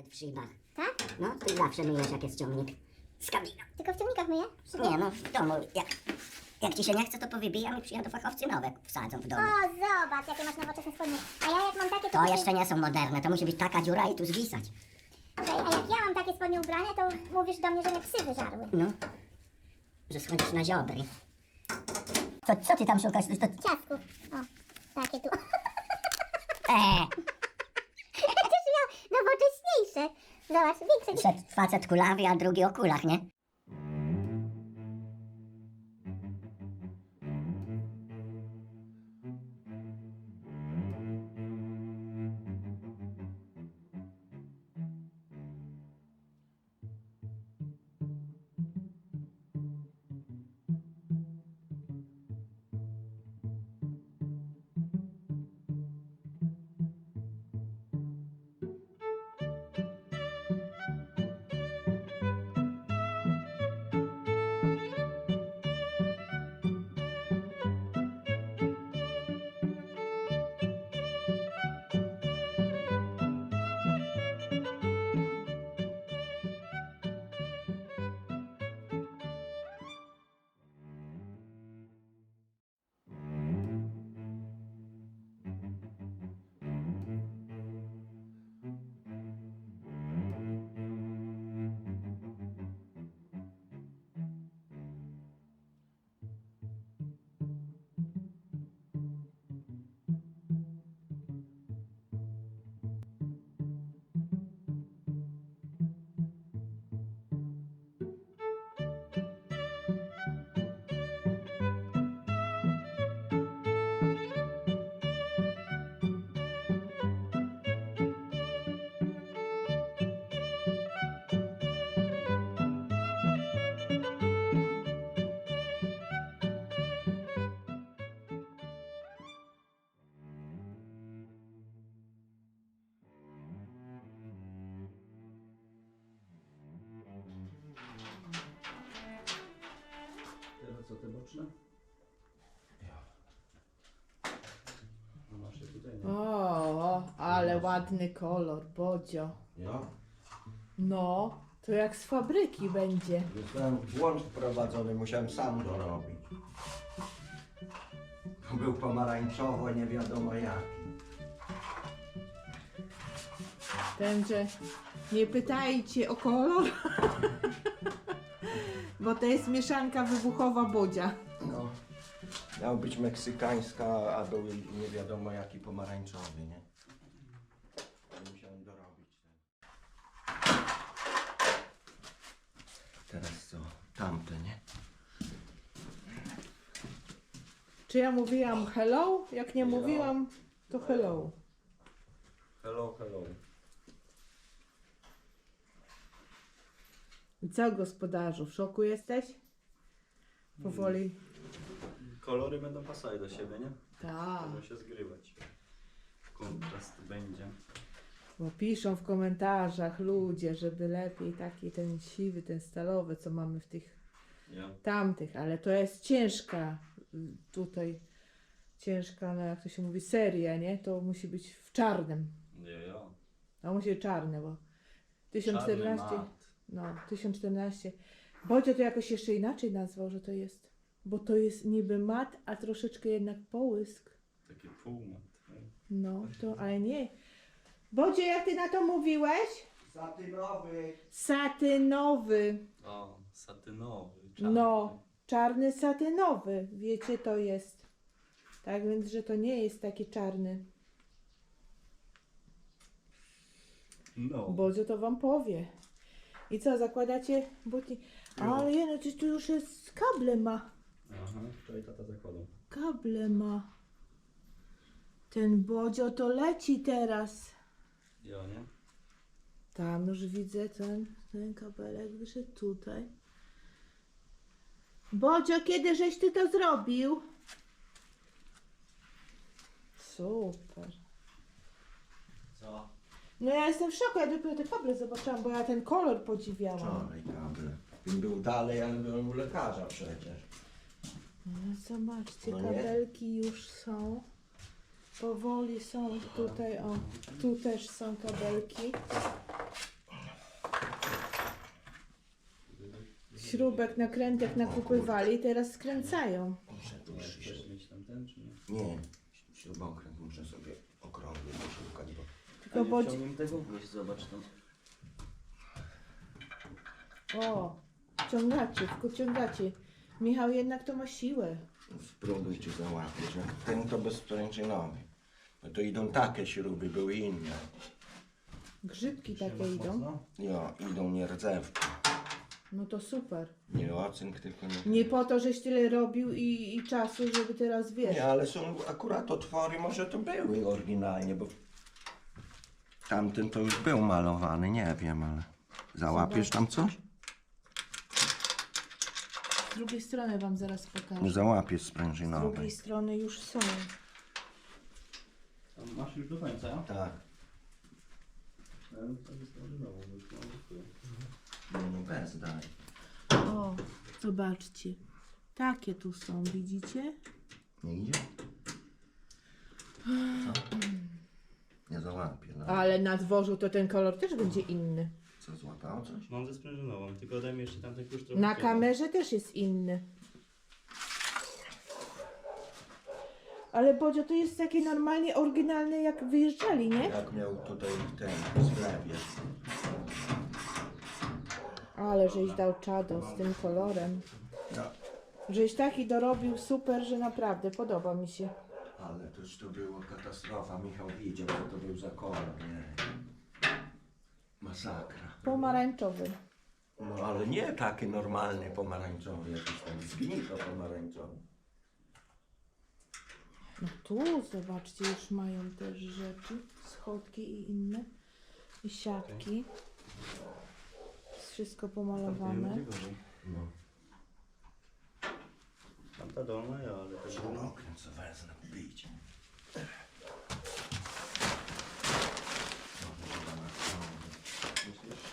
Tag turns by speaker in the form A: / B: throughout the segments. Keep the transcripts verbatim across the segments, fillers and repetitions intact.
A: Nawet w szybach.
B: Tak?
A: No, ty zawsze myjesz jak jest ciągnik. Z kabiny.
B: Tylko w ciągnikach myję?
A: Nie no, w domu. Jak, jak ci się nie chce, to powybijam i przyjadą fachowcy nowe wsadzą w domu.
B: O, zobacz, jakie masz nowoczesne spodnie. A ja jak mam takie, to...
A: To jeszcze nie są moderne, to musi być taka dziura i tu zwisać.
B: Okej, a jak ja mam takie spodnie ubrane, to mówisz do mnie, że mnie psy wyżarły.
A: No, że schodzisz na ziobry. Co, co ty tam szukasz? To...
B: Ciastku. O, takie tu.
A: Eee,
B: Przecież miał nowocześniejsze. Zobacz, większe.
A: przed facet kulawy, a drugi o kulach, nie?
C: Teraz co, te boczne? No masz je tutaj, nie?
D: O, ale ładny kolor, Bodzio.
E: Ja?
D: No, to jak z fabryki będzie.
E: Zostałem włącz wprowadzony, musiałem sam to robić. Był pomarańczowo, nie wiadomo jaki.
D: Ten, że nie pytajcie o kolor, bo to jest mieszanka wybuchowa Bodzia.
E: No. Miał być meksykańska, a był nie wiadomo jaki pomarańczowy, nie? To musiałem dorobić ten. Teraz co? Tamte, nie?
D: Czy ja mówiłam hello? Jak nie
E: Hello.
D: mówiłam, to hello.
C: Hello, hello.
D: I co, gospodarzu, w szoku jesteś? Powoli.
C: Kolory będą pasować do siebie, nie?
D: Tak,
C: Będą się zgrywać. Kontrast będzie.
D: bo piszą w komentarzach ludzie, żeby lepiej taki ten siwy, ten stalowy, co mamy w tych
C: Ja.
D: tamtych, ale to jest ciężka y, tutaj, ciężka, no jak to się mówi, seria, nie? To musi być w czarnym.
C: Nie, ja.
D: To musi być czarne, bo tysiąc czternaście,
C: Czarny mat.
D: no tysiąc czternaście. Bodzio to jakoś jeszcze inaczej nazwał, że to jest, bo to jest niby mat, a troszeczkę jednak połysk.
C: Taki półmat. nie?
D: No, to, ale nie. Bodzio, jak ty na to mówiłeś?
E: Satynowy!
D: Satynowy.
C: O, satynowy. Czarny.
D: No, czarny satynowy, wiecie, to jest. Tak więc, że to nie jest taki czarny.
C: No.
D: Bodzio to wam powie. I co, zakładacie buty? Ale je, no coś tu już jest, kable ma.
C: Aha, wczoraj tata zakładał.
D: Kable ma. Ten Bodzio to leci teraz.
C: Ja, nie?
D: Tam już widzę ten, ten kabelek wyszedł tutaj. Bodzio, kiedy żeś ty to zrobił? Super.
C: Co?
D: No ja jestem w szoku, ja dopiero te kable zobaczyłam, bo ja ten kolor podziwiałam.
E: Wczoraj kable. Bym był dalej, ale byłem u lekarza przecież.
D: No zobaczcie,
E: No nie?
D: kabelki już są. Powoli są tutaj, o, tu też są kabelki. śrubek, nakrętek nakupywali i teraz skręcają.
E: Muszę tu
C: Chcesz
E: przyjść.
C: mieć tam ten, czy nie?
E: Nie, śrubokręt muszę sobie okrągły poszukać, bo
D: Tylko bo...
C: Chciałbym tego wnieść, zobacz tam.
D: O, ciągacie, tylko ciągacie. Michał jednak to ma siłę.
E: spróbuj cię załapać. Jak ten to bezprężynowy. No to idą takie śruby, były inne.
D: Grzybki takie
C: Trzymasz
D: idą.
C: mocno?
E: Jo, idą nierdzewki.
D: No to super.
E: Nie ocynk, tylko nie...
D: Nie po to, żeś tyle robił i, i czasu, żeby teraz wiesz.
E: Nie, ale są akurat otwory, może to były oryginalnie, bo tamten to już był malowany, nie wiem, ale załapiesz tam coś?
D: Z drugiej strony wam zaraz
E: Nie
D: pokażę.
E: załapiesz
D: Z
E: sprężynowej.
D: drugiej strony już są.
C: Tam masz już do końca?
E: Tak,
C: Ja bym sobie sprężynową już mam gotowe.
E: no nie bez daj.
D: O, zobaczcie. Takie tu są, widzicie?
E: Nie idzie? Co? Nie załapie, no.
D: Ale na dworzu to ten kolor też będzie inny.
E: Co, złapało coś?
C: Mam ze sprężynową, tylko daj mi jeszcze tamten klucz trochę.
D: Na
C: kiera.
D: kamerze też jest inny. Ale Bodzio, to jest takie normalnie oryginalne jak wyjeżdżali, nie?
E: Jak miał tutaj ten sklepiec.
D: Ale żeś dał czado z tym kolorem.
E: No,
D: Żeś taki dorobił super, że naprawdę podoba mi się.
E: ale to już to było katastrofa. Michał widział, co to był za kolor, nie? Masakra.
D: Pomarańczowy.
E: No ale nie taki normalny pomarańczowy, jakiś tam zgnito pomarańczowy.
D: No tu zobaczcie, już mają też rzeczy. Schodki i inne. I siatki. Jest wszystko pomalowane.
C: Będzie gorzej.
E: No.
C: Tamta dolna, ja, ale też dolna.
E: Śrubokręt co wezmę, bić.
C: Myślisz?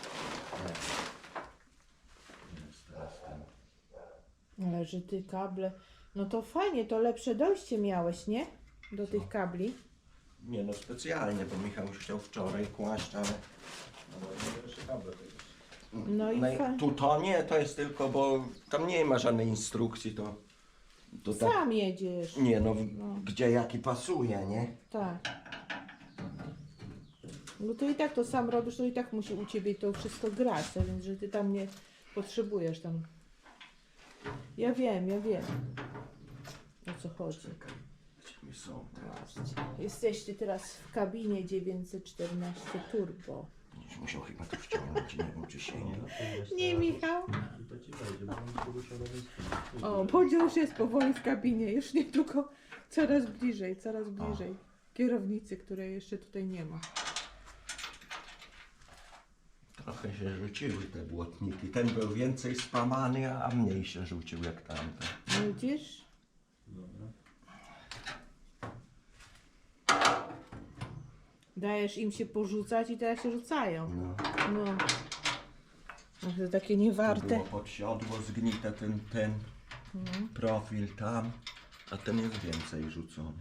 E: Jest teraz ten.
D: Ale że ty kable. No to fajnie, to lepsze dojście miałeś, nie? Do tych kabli.
E: Nie no specjalnie, bo Michał już chciał wczoraj kłaść, ale...
C: No bo nie jeszcze kable to jest.
D: No i
E: No
D: fa-
E: tu to nie, to jest tylko, bo tam nie ma żadnej instrukcji, to... To tak...
D: Sam jedziesz.
E: Nie no,
D: No.
E: gdzie jaki pasuje, nie?
D: Tak. No to i tak to sam robisz, to i tak musi u ciebie to wszystko grać, a więc że ty tam nie potrzebujesz tam. Ja wiem, ja wiem. O co chodzi.
E: Gdzie mi są teraz?
D: Jesteście teraz w kabinie dziewięćset czternaście Turbo.
E: Będziesz musiał chyba to wciągnąć, nie wiem czy się
C: Nie,
E: nie...
C: no to wiesz,
D: Nie,
C: teraz
D: Michał.
C: już- To ci wejdzie, bo mam poruszorowy spód.
D: O, Bodzio już jest powoli w kabinie, już niedługo coraz bliżej, coraz bliżej. Kierownicy, której jeszcze tutaj nie ma.
E: Trochę się rzuciły te błotniki. Ten był więcej spamany, a mniej się rzucił jak tamten.
D: Widzisz?
C: Dobra.
D: Dajesz im się porzucać i teraz się rzucają.
E: No.
D: No. Ach, to takie
E: To
D: niewarte.
E: było pod siodło zgnite ten, ten profil tam, a ten jest więcej rzucony.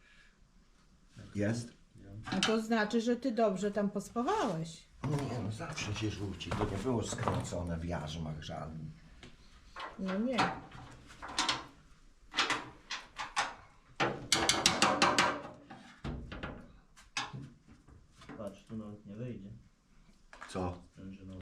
E: Jest?
D: No to znaczy, że ty dobrze tam pospawałeś.
E: Nie no, zawsze się rzuci. To nie było skręcone w jarzmach żadnym.
D: No nie.
C: Patrz, tu nawet nie wejdzie.
E: Co?
C: Sprężynowy.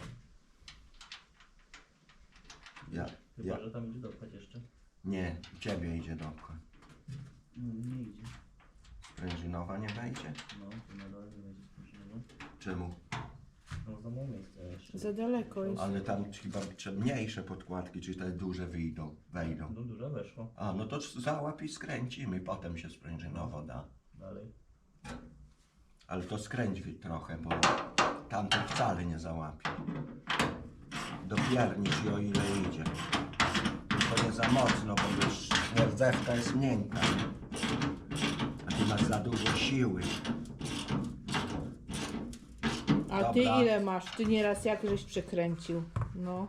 E: Ja,
C: Chyba,
E: ja.
C: że tam idzie dopchać jeszcze.
E: Nie, u ciebie idzie dopchać.
C: No, nie idzie.
E: Sprężynowa nie wejdzie?
C: No, tu na dole nie wejdzie sprężynowa.
E: Czemu?
C: No, za mało miejsca jeszcze.
D: Za daleko jest.
E: Ale tam chyba trzeba mniejsze podkładki, czy te duże wyjdą, wejdą.
C: No, dużo weszło.
E: A, no to załap i skręcimy, potem się sprężynowo da.
C: Dalej.
E: Ale to skręć wi- trochę, bo tamten wcale nie załapie. Dopiernicz i o ile idzie. To nie za mocno, bo już rdzewka jest miękka. A ty masz za dużo siły.
D: A ty
E: Dobra.
D: ile masz? Ty nieraz jak żeś przekręcił. No.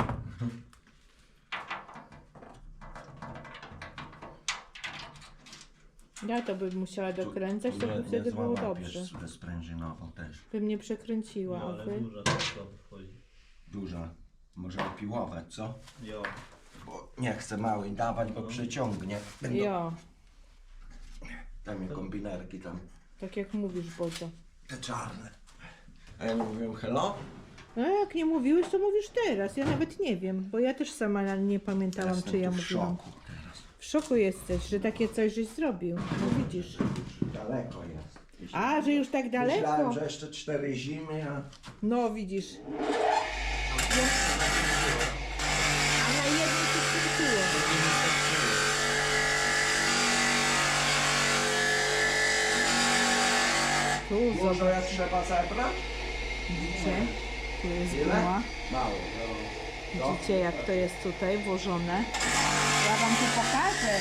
D: Ja to bym musiała dokręcać, to by wtedy było dobrze.
E: Ze sprężynową też.
D: Bym nie przekręciła,
C: No,
D: a
C: ale
D: wy?
C: dużo to wchodzi.
E: Duża. Może opiłować, co?
C: Jo.
E: Bo nie chcę małej dawać, bo przeciągnie. Będą
D: Jo,
E: tam kombinerki tam,
D: tak jak mówisz, Bodzio.
E: te czarne. A ja nie mówiłem hello?
D: No jak nie mówiłeś, to mówisz teraz. Ja nawet nie wiem, bo ja też sama nie pamiętałam,
E: Jestem
D: czy ja
E: tu w
D: mówiłam.
E: szoku teraz.
D: W szoku jesteś, że takie coś żeś zrobił. No widzisz.
E: Daleko jest.
D: A, że już tak daleko?
E: Myślałem, że jeszcze cztery zimy, a...
D: No widzisz. A na jednym się skończyło. Tu
E: Może
D: zobacz,
E: jak trzeba zebrać?
D: widzicie? Tu jest
E: Ile?
D: guma.
E: Mało. No.
D: Widzicie, jak to jest tutaj włożone. Ja wam tu pokażę.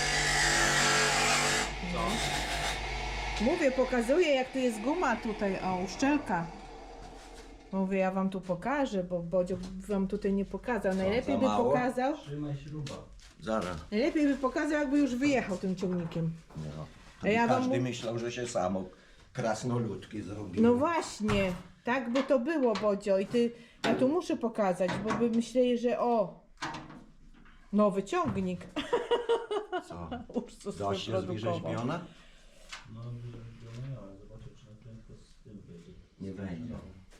D: Mówię, pokazuję, jak tu jest guma tutaj, o, uszczelka. Mówię, ja wam tu pokażę, bo Bodzio wam tutaj nie pokazał. Najlepiej
E: za
D: by
E: mało?
D: pokazał,
C: Trzymaj śruba.
E: Zaraz.
D: najlepiej by pokazał, jakby już wyjechał tym ciągnikiem.
E: No.
D: A ja wam
E: Każdy
D: mów-
E: myślał, że się samo krasnoludki zrobił.
D: No właśnie, tak by to było, Bodzio. I ty, ja tu muszę pokazać, bo by myśleli, że o, nowy ciągnik.
E: Co?
D: Ursus
E: Dość jest
D: wyprodukował.
E: wyrzeźbiona?
C: No, wyrzeźbione, ale zobaczę, czy na prędko z tym wejdzie.
E: Nie wejdzie.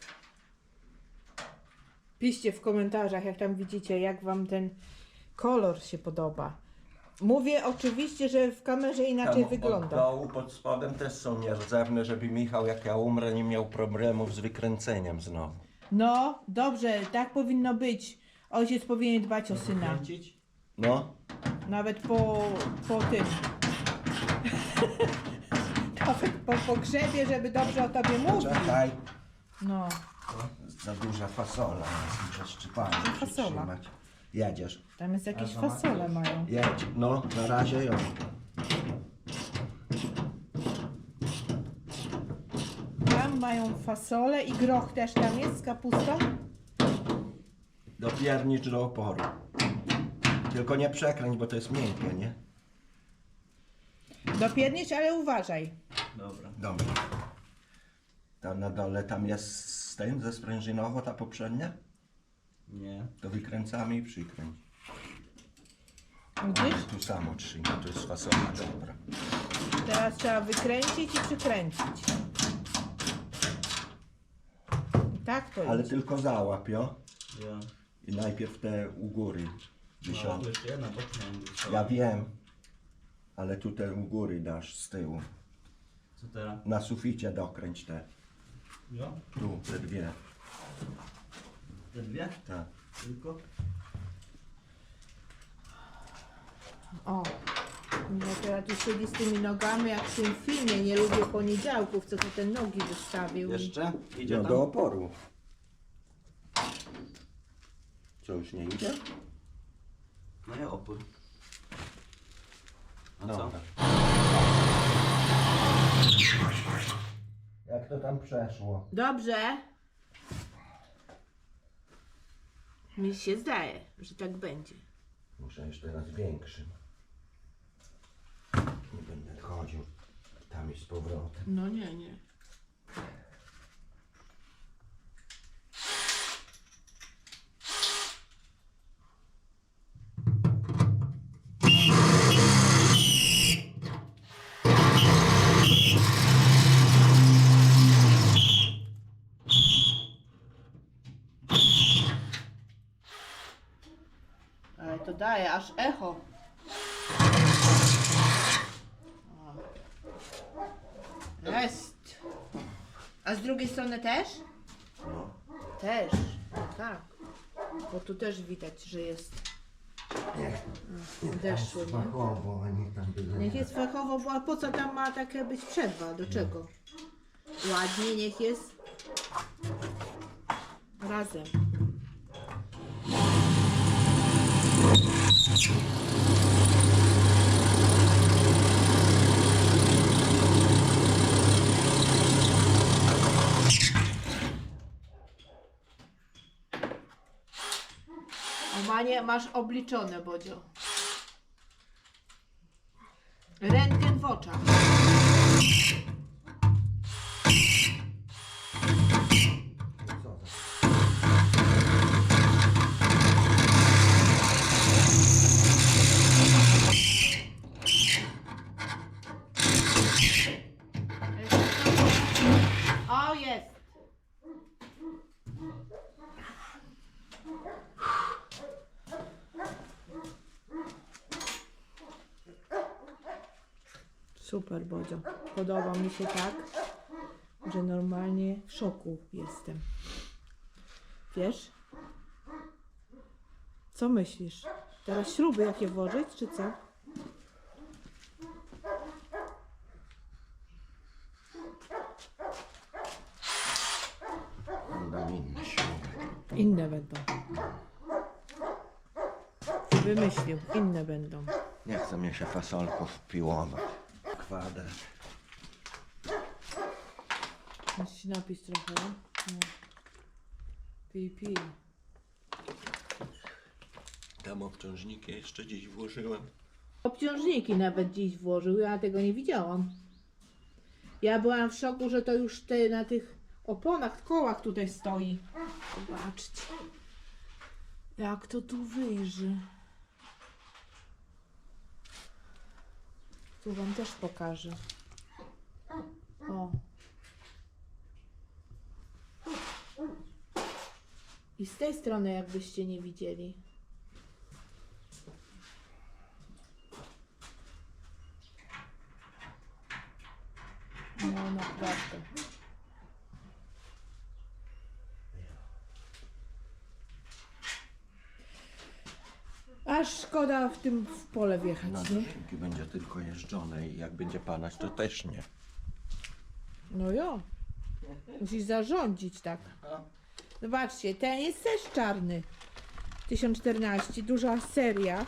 D: Piszcie w komentarzach, jak tam widzicie, jak wam ten kolor się podoba. Mówię oczywiście, że w kamerze inaczej
E: Tam
D: wygląda.
E: Od dołu, pod spodem też są nierdzewne, żeby Michał, jak ja umrę, nie miał problemów z wykręceniem znowu.
D: No, dobrze, tak powinno być. Ojciec powinien dbać o syna.
C: Kręcić?
E: No,
D: Nawet po, po tym. Nawet po pogrzebie, żeby dobrze o tobie mówił.
E: czekaj.
D: No,
E: Za duża fasola jest, muszę szczypanie
D: fasola?
E: przytrzymać. Jedziesz.
D: tam jest jakieś
C: A,
D: fasole mają.
E: Jedź. No, na razie ją.
D: Tam mają fasole i groch też tam jest z kapustą.
E: Dopiernicz do oporu. Tylko nie przekręć, bo to jest miękkie, nie?
D: Dopiernicz, ale uważaj.
C: Dobra.
E: Dobrze. Tam na dole, tam jest z tym, ze sprężynowo ta poprzednia?
C: Nie.
E: To wykręcamy i przykręć.
D: Widzisz?
E: Tu samo trzyma, to jest fasola, dobra.
D: Teraz trzeba wykręcić i przykręcić. I tak to
E: Ale
D: jest.
E: tylko załap, jo?
C: Ja.
E: I najpierw te u góry.
C: No, tu
E: Dziesiąt.
C: jeszcze jedna boczna.
E: Ja wiem. Ale tu te u góry dasz z tyłu.
C: Co teraz?
E: Na suficie dokręć te.
C: Jo?
E: Tu, te dwie.
C: Te dwie?
E: Tak.
C: Tylko?
D: O, no teraz tu siedzi z tymi nogami jak w tym filmie. Nie lubię poniedziałków, co tu te nogi wystawił.
C: Jeszcze? Idzie
E: No
C: tam?
E: do oporu. Co, już nie idzie?
C: No ja opór. A
E: No.
C: co?
E: Jak to tam przeszło?
D: Dobrze. Mi się zdaje, że tak będzie.
E: Muszę jeszcze raz większym. Nie będę chodził tam i z powrotem.
D: No nie, nie. Ale to daje aż echo. O. Jest. A z drugiej strony też?
E: No.
D: Też. Tak. Bo tu też widać, że jest. Deszły, nie?
E: Fachowo, a nie tam byle.
D: Niech jest fachowo, bo a po co tam ma takie być przerwa? Do czego? Ładnie niech jest razem. O Manie, masz obliczone, Bodzio. Rentgen w oczach.
E: Co za...
D: Super, Bodzio. Podoba mi się tak, że normalnie w szoku jestem. Wiesz? Co myślisz? Teraz śruby jakie włożyć, czy co?
E: Będą inne śruby.
D: Inne będą. Wymyślił, inne będą.
E: Nie chce mnie się fasolków piłować. Kwadrat.
D: Musisz napić trochę. No. Pij, pij.
E: Tam obciążniki jeszcze dziś włożyłem.
D: Obciążniki nawet dziś włożył, ja tego nie widziałam. Ja byłam w szoku, że to już te na tych oponach, kołach tutaj stoi. Zobaczcie. Jak to tu wyjrzy. Tu wam też pokażę. O. I z tej strony jakbyście nie widzieli. No naprawdę. Aż szkoda w tym w pole wjechać,
E: No
D: nie?
E: dopóki będzie tylko jeżdżone i jak będzie padać, to też nie.
D: No jo. Musisz zarządzić tak. Zobaczcie, ten jest też czarny. tysiąc czternaście, duża seria.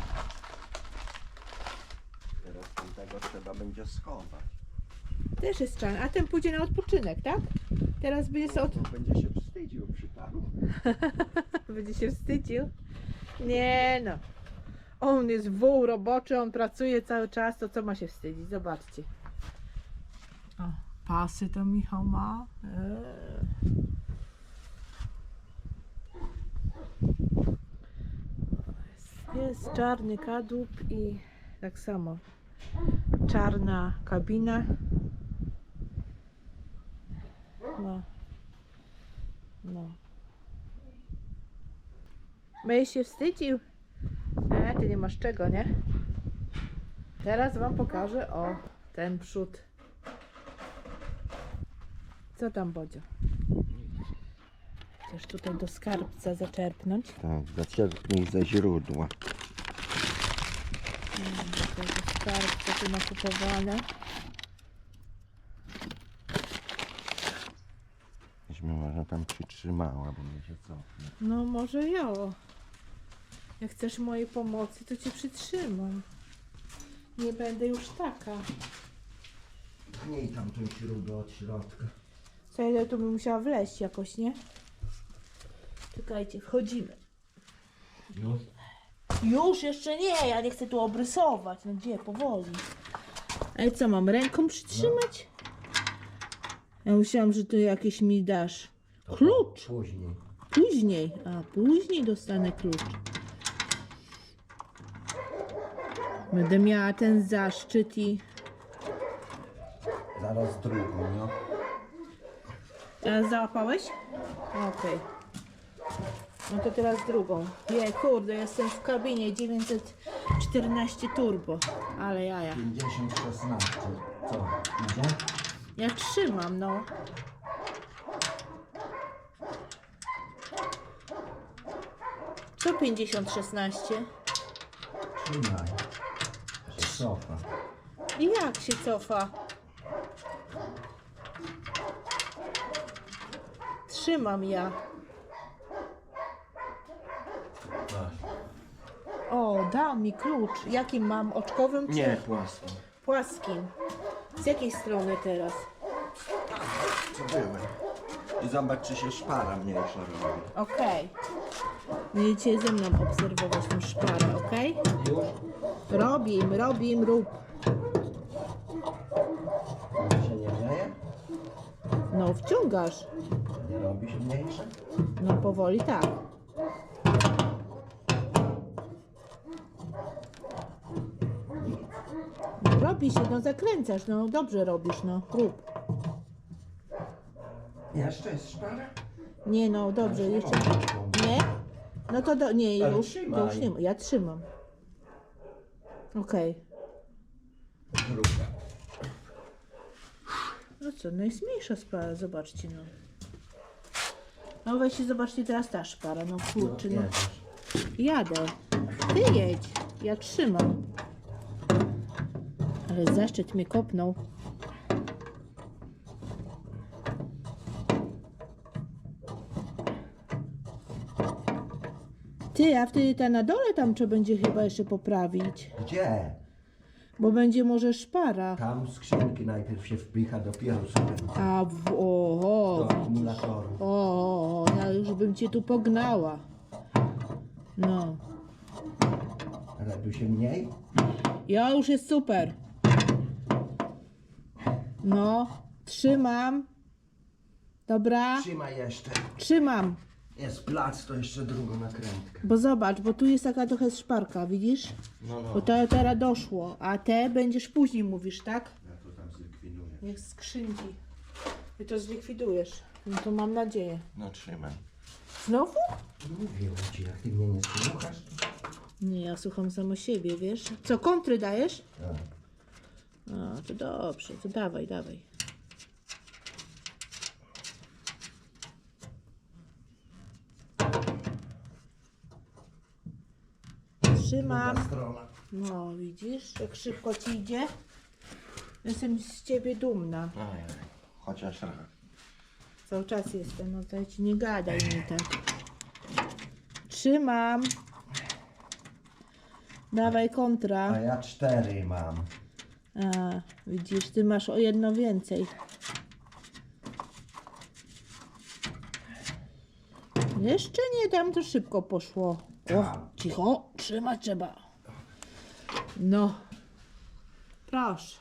E: Teraz tego trzeba będzie schować.
D: Też jest czarny, a ten pójdzie na odpoczynek, tak? Teraz będzie sobie od...
E: Bo będzie się wstydził przy panu.
D: Będzie się wstydził. Nie no. On jest wół roboczy, on pracuje cały czas, to co ma się wstydzić? Zobaczcie. O, pasy to Michał ma. Eee. Jest, jest czarny kadłub i tak samo czarna kabina. No. No. Będziesz się wstydził? E, ty nie masz czego, nie? Teraz wam pokażę, o, ten przód. Co tam, Bodzio? Chcesz tutaj do skarbca zaczerpnąć?
E: Tak, zaczerpnij ze źródła.
D: Mm, Tutaj do skarbca tu nakupowane.
E: Myśmy może tam przytrzymała, bo mnie się cofnie.
D: No może ja. Jak chcesz mojej pomocy, to cię przytrzymam. Nie będę już taka.
E: Pchnij tam tą śrubę od środka.
D: Co ja tu bym musiała wleźć jakoś, nie? Czekajcie, wchodzimy.
E: Już?
D: Już jeszcze nie, ja nie chcę tu obrysować. No gdzie, powoli. Ale co, mam ręką przytrzymać? Ja myślałam, że tu jakieś mi dasz. Klucz!
E: Później.
D: Później. A, później dostanę klucz. Będę miała ten zaszczyt i...
E: Zaraz drugą, no.
D: A załapałeś? Okej. No to teraz drugą. Je, kurde, jestem w kabinie dziewięćset czternaście turbo. Ale jaja.
E: pięćdziesiąt szesnaście. Co? Idzie?
D: Ja trzymam, no. Co pięćdziesiąt szesnaście?
E: Trzymaj. Się cofa.
D: I jak się cofa? Trzymam ja. O, dał mi klucz. Jakim mam? Oczkowym czy
E: Nie, płasko.
D: płaskim? Z jakiej strony teraz?
E: Co były? I zobacz, czy się szpara mniejsza robi.
D: Okej. Będziecie ze mną obserwować tą szparę, okej?
E: Już?
D: Robim, robim, rób.
E: Się nie dzieje?
D: No, wciągasz.
E: Nie robi się mniejsze?
D: No, powoli tak. No, robi się, no zakręcasz, no dobrze robisz, no rób.
E: Jeszcze jest szpara?
D: Nie no, dobrze, jeszcze. Nie? No to do, nie,
E: Ale
D: już,
E: trzymaj.
D: już nie ma. Ja trzymam. Okej.
E: Druga.
D: No co, no jest mniejsza szpara, zobaczcie no. No weźcie, zobaczcie teraz ta szpara, no kurczę, no. Jadę. Ty jedź, ja trzymam. Ale zaszczyt mnie kopnął. Ty, a wtedy ta na dole tam trzeba będzie chyba jeszcze poprawić.
E: Gdzie?
D: Bo będzie może szpara.
E: Tam skrzynki najpierw się wpycha, dopiero sobie
D: A w, o,
E: do
D: o,
E: akumulatoru.
D: o, o, ja już bym cię tu pognała. No.
E: Ale tu się mniej?
D: Ja już jest super. No, trzymam. Dobra,
E: Trzymaj jeszcze.
D: trzymam.
E: Jest plac, to jeszcze drugą nakrętkę.
D: Bo zobacz, bo tu jest taka trochę szparka, widzisz?
E: No, no.
D: Bo to teraz doszło, a te będziesz później mówisz, tak?
E: Ja to tam zlikwiduję.
D: Niech skrzynki. Ty to zlikwidujesz. No to mam nadzieję.
E: No trzymaj.
D: Znowu?
E: Mówiłem ci, jak ty mnie nie słuchasz.
D: Nie, ja słucham samo siebie, wiesz? Co, kontry dajesz?
E: Tak.
D: A, to dobrze, to dawaj, dawaj. Trzymam.
E: Druga strona.
D: No, widzisz, jak szybko ci idzie? Jestem z ciebie dumna.
E: Ajaj, chociaż raz.
D: Cały czas jestem, no to ci nie gadaj mi tak. Trzymam. Dawaj
E: A
D: kontra.
E: ja cztery mam.
D: A, widzisz, ty masz o jedno więcej. Jeszcze nie, tam to szybko poszło. O, cicho, trzymać trzeba. No, proszę.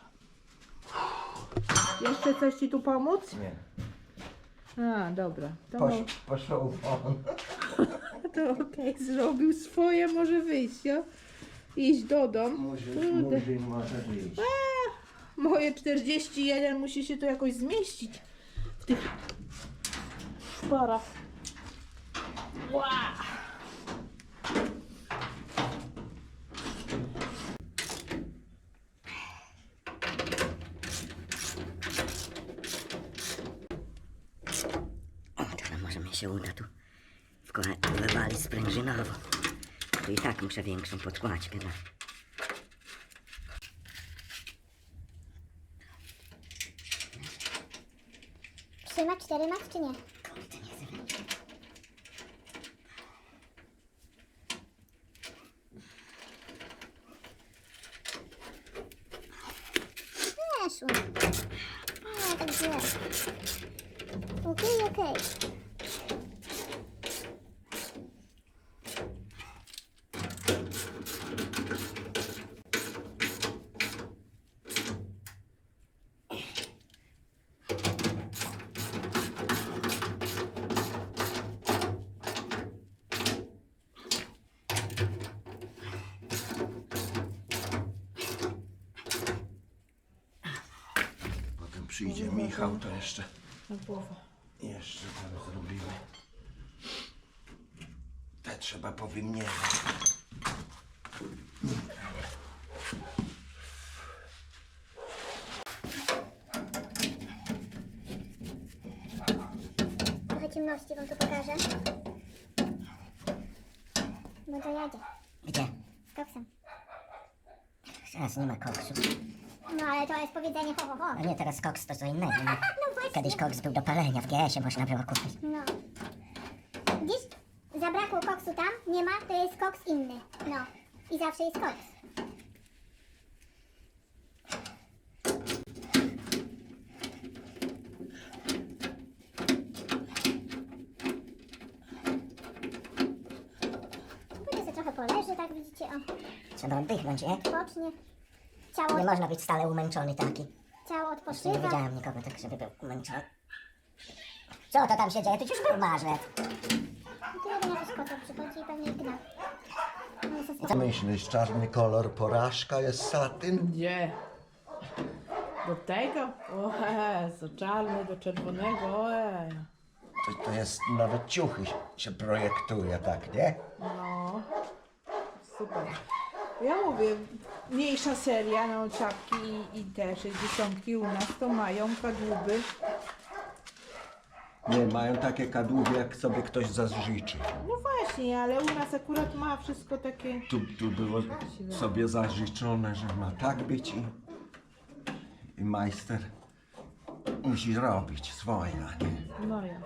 D: Jeszcze coś ci tu pomóc?
E: Nie.
D: A, dobra. To,
E: Posz,
D: mo-
E: poszło won.
D: to okej, zrobił swoje, może wyjść, jo? Iść do domu.
E: Murzyn,
D: Kurde.
E: murzyn może wyjść.
D: Moje czterdzieści jeden musi się tu jakoś zmieścić w tych szparach. Ła!
A: O, teraz może mi się uda tu wkła- wywalić sprężynowo. Tu i tak muszę większą podkładkę dać.
B: Trzyma cztery max czy nie?
A: Kurde, nie chcę wejść.
B: Weszło. Nie, tak źle. Okej, okej.
E: Potem przyjdzie Michał, to jeszcze,
D: Na głowę.
E: jeszcze tam zrobimy. Te trzeba powymieniać.
B: Trochę ciemności wam tu pokażę. No to jadzie.
A: Gdzie?
B: Z koksem.
A: Teraz nie ma koksu.
B: No ale to jest powiedzenie ho ho ho.
A: A nie, teraz koks to co innego. No.
B: No właśnie.
A: Kiedyś koks był do palenia, w G S ie można było kupić.
B: No. Widzisz? Zabrakło koksu tam, nie ma, to jest koks inny. No. I zawsze jest koks. Później sobie trochę poleży, tak widzicie, o,
A: Trzeba oddychnąć, nie?
B: odpocznie. Ciało,
A: Nie można być stale umęczony taki.
B: ciało
A: Jeszcze nie
B: odpoczywa.
A: widziałem nikogo tak, żeby był umęczony. Co to tam się dzieje? Tu już był marzec.
B: Tu jeden jakiś kocok przychodzi i pewnie ich gna. No, ze
E: Co myślisz, czarny kolor porażka jest satyn?
D: Gdzie? Do tego? O Jezu, czarny do czerwonego, ojej.
E: To, to jest, nawet ciuchy się, się projektuje, tak, nie?
D: No, super. Ja mówię, mniejsza seria, no czapki i, i te sześćdziesiątki u nas to mają kadłuby.
E: Nie, mają takie kadłuby, jak sobie ktoś zażyczy.
D: No właśnie, ale u nas akurat ma wszystko takie...
E: Tu, tu było sobie zażyczone, że ma tak być i, i majster musi robić swoje, a nie.
D: No ja.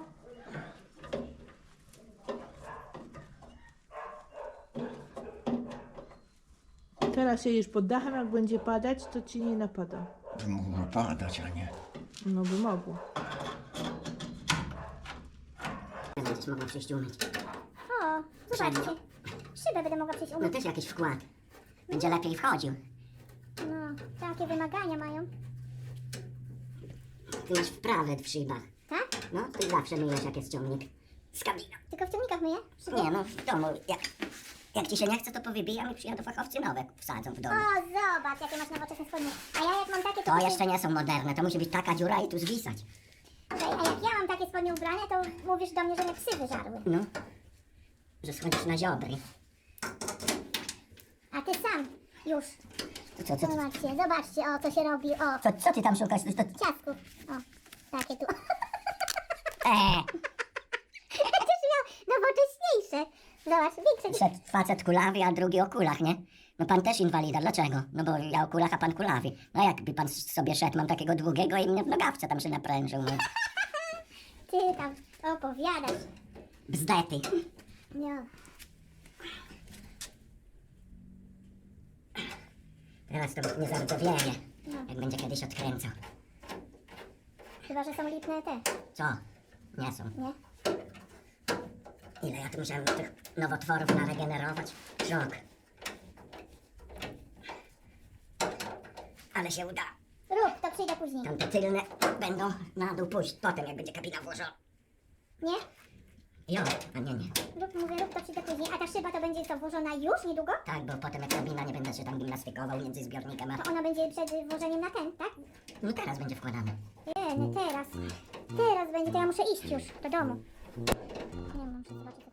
D: Teraz siedzisz pod dachem, jak będzie padać, to ci nie napada.
E: By mogło padać, a nie.
D: No by mogło.
A: Będziesz mogła przyjść umyć.
B: O, zobaczcie. Szybę będę mogła przyjść
A: No
B: umyć.
A: też jakiś wkład. Będzie lepiej wchodził.
B: No, takie wymagania mają.
A: Ty masz wprawy w szybach.
B: Tak?
A: No, ty zawsze myjesz jak jest ciągnik. Z kabiną.
B: Tylko w ciągnikach myję? Szyby?
A: Nie no, w domu. Jak, jak ci się nie chce, to powybijam i przyjadą fachowcy nowe wsadzą w domu.
B: O, zobacz, jakie masz nowoczesne spodnie. A ja jak mam takie, to...
A: To jeszcze nie są moderne, to musi być taka dziura i tu zwisać.
B: Ej, a jak ja mam takie spodnie ubrane, to mówisz do mnie, że mnie psy wyżarły.
A: No. Że schodzisz na ziobry.
B: A ty sam już.
A: To co, co, co,
B: Zobaczcie, zobaczcie, o, co się robi, o.
A: co, co ty tam szukasz? To, to,
B: Ciastków. O, takie tu.
A: eee,
B: Też miał nowocześniejsze. Zobacz, większe. niż-
A: szedł facet kulawy, a drugi o kulach, nie? No pan też inwalida, dlaczego? No bo ja o kulach, a pan kulawi. No jakby pan sobie szedł, mam takiego długiego i mnie w nogawce tam się naprężył, no.
B: Ty tam opowiadasz.
A: Bzdety.
B: No.
A: Teraz to nie zardzewieje, jak będzie kiedyś odkręcał.
B: Chyba, że są lipne te,
A: Co? Nie są.
B: nie?
A: Ile ja tu musiałem tych nowotworów naregenerować? Szok. Ale się uda.
B: Rób, to przyjdę później.
A: Tamte tylne będą na dół pójść potem, jak będzie kabina włożona.
B: Nie?
A: Jo, a nie, nie.
B: Rób, mówię, rób, to przyjdę później. A ta szyba to będzie co, włożona już, niedługo?
A: Tak, bo potem jak kabina nie będę się tam gimnastykował między zbiornikiem, a...
B: To ona będzie przed włożeniem na ten, tak?
A: No teraz będzie wkładane.
B: Nie, nie teraz. Teraz będzie, to ja muszę iść już do domu. Nie, muszę zobaczyć, co